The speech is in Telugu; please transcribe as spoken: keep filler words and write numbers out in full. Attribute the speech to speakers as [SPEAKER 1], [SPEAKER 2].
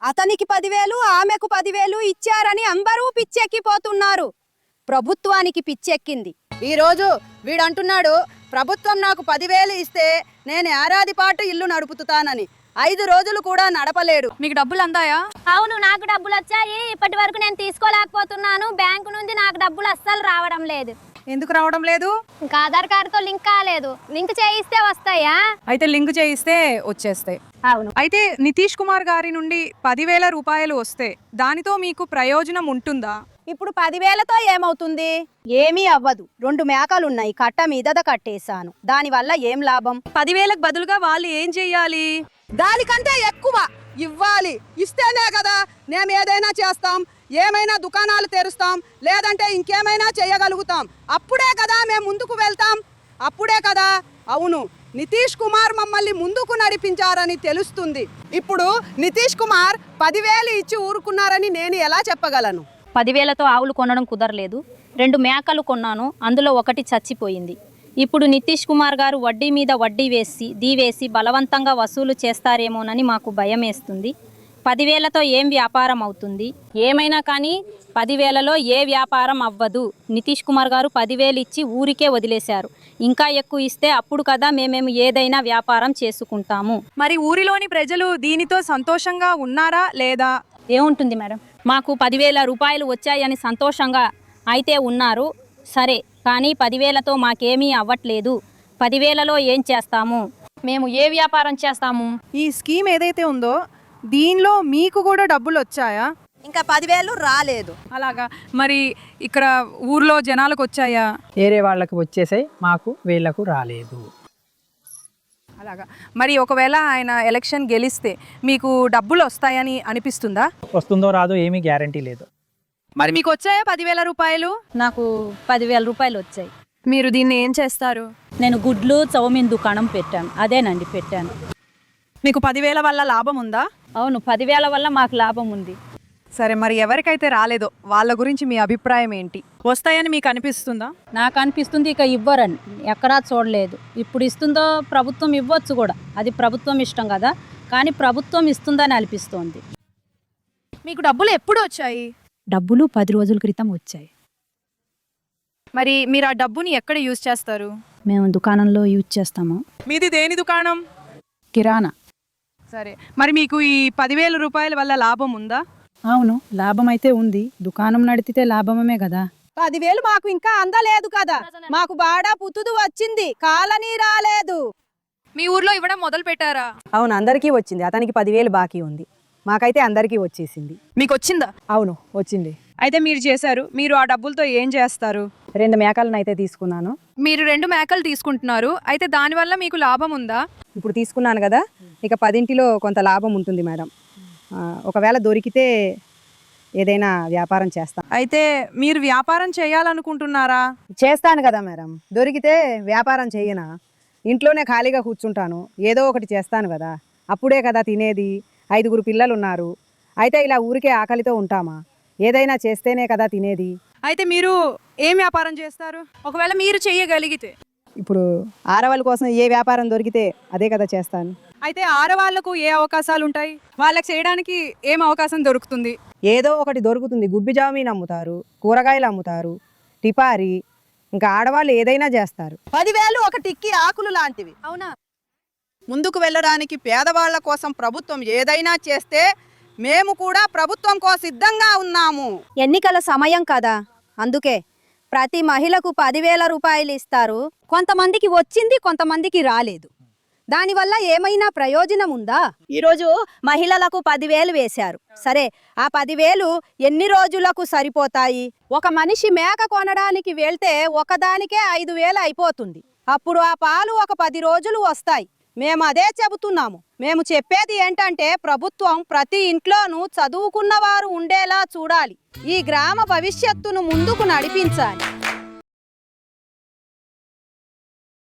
[SPEAKER 1] అతనికి పదివేలు ఆమెకు పదివేలు ఇచ్చారని అందరూ పిచ్చెక్కిపోతున్నారు. ప్రభుత్వానికి పిచ్చెక్కింది.
[SPEAKER 2] ఈరోజు వీడంటున్నాడు ప్రభుత్వం నాకు పదివేలు ఇస్తే నేను ఏడాది పాటు ఇల్లు నడుపుతానని. ఐదు రోజులు కూడా నడపలేడు.
[SPEAKER 3] మీకు డబ్బులు అందాయా?
[SPEAKER 4] అవును, నాకు డబ్బులు వచ్చాయి. ఇప్పటి వరకు నేను తీసుకోలేకపోతున్నాను. బ్యాంకు నుండి నాకు డబ్బులు అస్సలు రావడం లేదు.
[SPEAKER 3] ఎందుకు రావడం లేదు?
[SPEAKER 4] ఇంకా ఆధార్ కార్డుతో లింక్ కాలేదు. లింక్ చేయిస్తే వస్తాయా?
[SPEAKER 3] అయితే లింక్ చేయిస్తే వచ్చేస్తాయి.
[SPEAKER 4] అవును.
[SPEAKER 3] అయితే నితీష్ కుమార్ గారి నుండి పదివేల రూపాయలు వస్తే దానితో మీకు ప్రయోజనం ఉంటుందా?
[SPEAKER 1] ఇప్పుడు పదివేలతో ఏమవుతుంది? ఏమీ అవ్వదు. రెండు మేకలున్నాయి, కట్ట మీదద కట్టేశాను. దానివల్ల ఏం లాభం?
[SPEAKER 3] పదివేలకు బదులుగా వాళ్ళు ఏం చెయ్యాలి?
[SPEAKER 2] దానికంటే ఎక్కువ ఇవ్వాలి. ఇస్తేనే కదా మేము ఏదైనా చేస్తాం, ఏమైనా దుకాణాలు తెరుస్తాం, లేదంటే ఇంకేమైనా చేయగలుగుతాం. అప్పుడే కదా మేము ముందుకు వెళ్తాం. అప్పుడే కదా. అవును, నితీష్ కుమార్ మమ్మల్ని ముందుకు నడిపించారని తెలుస్తుంది. ఇప్పుడు నితీష్ కుమార్ పదివేలు ఇచ్చి ఊరుకున్నారని నేను ఎలా చెప్పగలను?
[SPEAKER 4] పదివేలతో ఆవులు కొనడం కుదరలేదు. రెండు మేకలు కొన్నాను, అందులో ఒకటి చచ్చిపోయింది. ఇప్పుడు నితీష్ కుమార్ గారు వడ్డీ మీద వడ్డీ వేసి దీవేసి బలవంతంగా వసూలు చేస్తారేమోనని మాకు భయం వేస్తుంది. పదివేలతో ఏం వ్యాపారం అవుతుంది? ఏమైనా కానీ పదివేలలో ఏ వ్యాపారం అవ్వదు. నితీష్ కుమార్ గారు పదివేలు ఇచ్చి ఊరికే వదిలేశారు. ఇంకా ఎక్కువ ఇస్తే అప్పుడు కదా మేమేమి ఏదైనా వ్యాపారం చేసుకుంటాము.
[SPEAKER 3] మరి ఊరిలోని ప్రజలు దీనితో సంతోషంగా ఉన్నారా లేదా?
[SPEAKER 4] ఏముంటుంది మేడం, మాకు పదివేల రూపాయలు వచ్చాయని సంతోషంగా అయితే ఉన్నారు. సరే, కానీ పదివేలతో మాకేమీ అవ్వట్లేదు. పదివేలలో ఏం చేస్తాము? మేము ఏ వ్యాపారం చేస్తాము?
[SPEAKER 3] ఈ స్కీమ్ ఏదైతే ఉందో దీనిలో మీకు కూడా డబ్బులు వచ్చాయా?
[SPEAKER 1] ఇంకా పదివేలు రాలేదు.
[SPEAKER 3] అలాగా. మరి ఇక్కడ ఊర్లో జనాలకు వచ్చాయా?
[SPEAKER 5] వేరే వాళ్ళకి వచ్చేసాయి, మాకు వీళ్ళకు రాలేదు.
[SPEAKER 3] అలాగా. మరి ఒకవేళ ఆయన ఎలక్షన్ గెలిస్తే మీకు డబ్బులు వస్తాయని అనిపిస్తుందా?
[SPEAKER 5] వస్తుందో రాదో ఏమీ గ్యారంటీ లేదు.
[SPEAKER 3] మరి మీకు వచ్చాయా పదివేల రూపాయలు?
[SPEAKER 4] నాకు పదివేల రూపాయలు వచ్చాయి.
[SPEAKER 3] మీరు దీన్ని ఏం చేస్తారు?
[SPEAKER 4] నేను గుడ్లు చౌమిన్ దుకాణం పెట్టాను. అదేనండి పెట్టాను.
[SPEAKER 3] మీకు పదివేల వల్ల లాభం ఉందా?
[SPEAKER 4] అవును, పదివేల వల్ల మాకు లాభం ఉంది.
[SPEAKER 3] సరే, మరి ఎవరికైతే రాలేదో వాళ్ళ గురించి మీ అభిప్రాయం ఏంటి? వస్తాయని మీకు అనిపిస్తుందా?
[SPEAKER 4] నాకు అనిపిస్తుంది ఇక ఇవ్వరని. ఎక్కడా చూడలేదు. ఇప్పుడు ఇస్తుందో ప్రభుత్వం ఇవ్వచ్చు కూడా, అది ప్రభుత్వం ఇష్టం కదా. కానీ ప్రభుత్వం ఇస్తుందని అనిపిస్తోంది.
[SPEAKER 3] మీకు డబ్బులు ఎప్పుడు వచ్చాయి?
[SPEAKER 6] డబ్బులు పది రోజుల క్రితం వచ్చాయి.
[SPEAKER 3] మరి మీరు ఆ డబ్బుని ఎక్కడ యూజ్ చేస్తారు?
[SPEAKER 6] మేము దుకాణంలో యూజ్ చేస్తాము.
[SPEAKER 3] మీది దేని దుకాణం?
[SPEAKER 6] కిరాణా.
[SPEAKER 3] సరే, మరి మీకు ఈ పదివేల రూపాయల వల్ల లాభం ఉందా?
[SPEAKER 6] అవును, లాభం అయితే ఉంది. దుకాణం నడిపితే లాభమే కదా.
[SPEAKER 1] పదివేలు మాకు ఇంకా అందలేదు కదా. మాకు బాడా పుతుదు వచ్చింది, కాలనీ రాలేదు.
[SPEAKER 3] మీ ఊర్లో ఇవ్వడం మొదలు పెట్టారా?
[SPEAKER 2] అవును, అందరికీ వచ్చింది. అతనికి పదివేలు బాకీ ఉంది, మాకైతే అందరికీ వచ్చేసింది.
[SPEAKER 3] మీకు వచ్చిందా?
[SPEAKER 2] అవును, వచ్చింది.
[SPEAKER 3] అయితే మీరు చేశారు. మీరు ఆ డబ్బులతో ఏం చేస్తారు?
[SPEAKER 2] రెండు మేకలను అయితే తీసుకున్నాను.
[SPEAKER 3] మీరు రెండు మేకలు తీసుకుంటున్నారు, అయితే దానివల్ల మీకు లాభం ఉందా?
[SPEAKER 2] ఇప్పుడు తీసుకున్నాను కదా, ఇక పదింటిలో కొంత లాభం ఉంటుంది మేడం. ఆ, ఒకవేళ దొరికితే ఏదైనా వ్యాపారం చేస్తాను.
[SPEAKER 3] అయితే మీరు వ్యాపారం చేయాలనుకుంటున్నారా?
[SPEAKER 2] చేస్తాను కదా మేడం. దొరికితే వ్యాపారం చేయనా? ఇంట్లోనే ఖాళీగా కూర్చుంటాను, ఏదో ఒకటి చేస్తాను కదా. అప్పుడే కదా తినేది. ఐదుగురు పిల్లలు ఉన్నారు. అయితే ఇలా ఊరికే ఆకలితో ఉంటామా? ఏదైనా చేస్తేనే కదా తినేది.
[SPEAKER 3] అయితే మీరు ఏం వ్యాపారం చేస్తారు ఒకవేళ మీరు చేయగలిగితే?
[SPEAKER 2] ఇప్పుడు ఆడవాళ్ళ కోసం ఏ వ్యాపారం దొరికితే అదే కదా చేస్తాను.
[SPEAKER 3] అయితే ఆడవాళ్లకు ఏ అవకాశాలు ఉంటాయి? వాళ్ళకి చేయడానికి ఏం అవకాశం దొరుకుతుంది?
[SPEAKER 2] ఏదో ఒకటి దొరుకుతుంది. గుబ్బి జామీన్ అమ్ముతారు, కూరగాయలు అమ్ముతారు, టిపారి, ఇంకా ఆడవాళ్ళు ఏదైనా చేస్తారు. పదివేలు ఒక టిక్కి ఆకులు లాంటివి.
[SPEAKER 3] అవునా?
[SPEAKER 2] ముందుకు వెళ్ళడానికి పేదవాళ్ల కోసం ప్రభుత్వం ఏదైనా చేస్తే మేము కూడా ప్రభుత్వం కోసం సిద్ధంగా ఉన్నాము.
[SPEAKER 1] ఎన్నికల సమయం కదా, అందుకే ప్రతి మహిళకు పదివేల రూపాయలు ఇస్తారు. కొంతమందికి వచ్చింది, కొంతమందికి రాలేదు. దానివల్ల ఏమైనా ప్రయోజనం ఉందా? ఈరోజు మహిళలకు పదివేలు వేశారు. సరే, ఆ పదివేలు ఎన్ని రోజులకు సరిపోతాయి? ఒక మనిషి మేక కొనడానికి వెళ్తే ఒకదానికే ఐదు వేలు అయిపోతుంది. అప్పుడు ఆ పాలు ఒక పది రోజులు వస్తాయి. మేము అదే చెబుతున్నాము. మేము చెప్పేది ఏంటంటే ప్రభుత్వం ప్రతి ఇంట్లోనూ చదువుకున్న వారు ఉండేలా చూడాలి. ఈ గ్రామ భవిష్యత్తును ముందుకు నడిపించాలి.